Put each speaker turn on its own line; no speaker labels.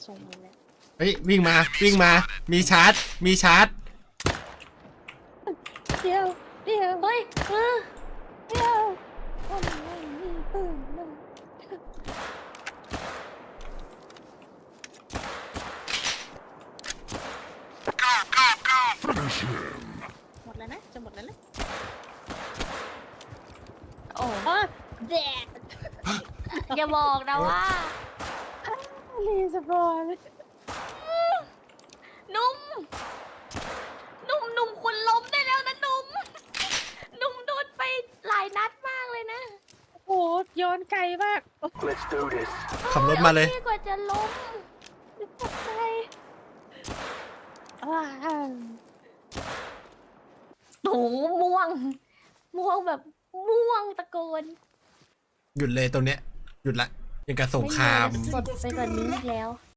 ส่งมาแล้ว
เฮ้ยวิ่งมาวิ่งมามีชาร์จมีชาร์จ
เดี๋ยวเดี๋ยวเฮ้ยเดี๋ยวผมไม่มีปืนเลยหมดแล้วนะจะหมดแล้วนะโอ้แดด
อย่าบอกนะว่า
รีสปอน
นุ่มคุณล้มได้แล้วนะนุ่มโดนไปหลายนัดมากเลยนะ
โอ้ย้อนไกลมาก
Let's do this.
ขับรถมาเลย
โอคกว่าจะล้ม
ตกใจว้าว
หนูม่วงแบบม่วงตะโกน
หยุดเลยตรงเนี้ยหยุดละยังกับสงคราม
สดไปกว่านี้อีกแล้ว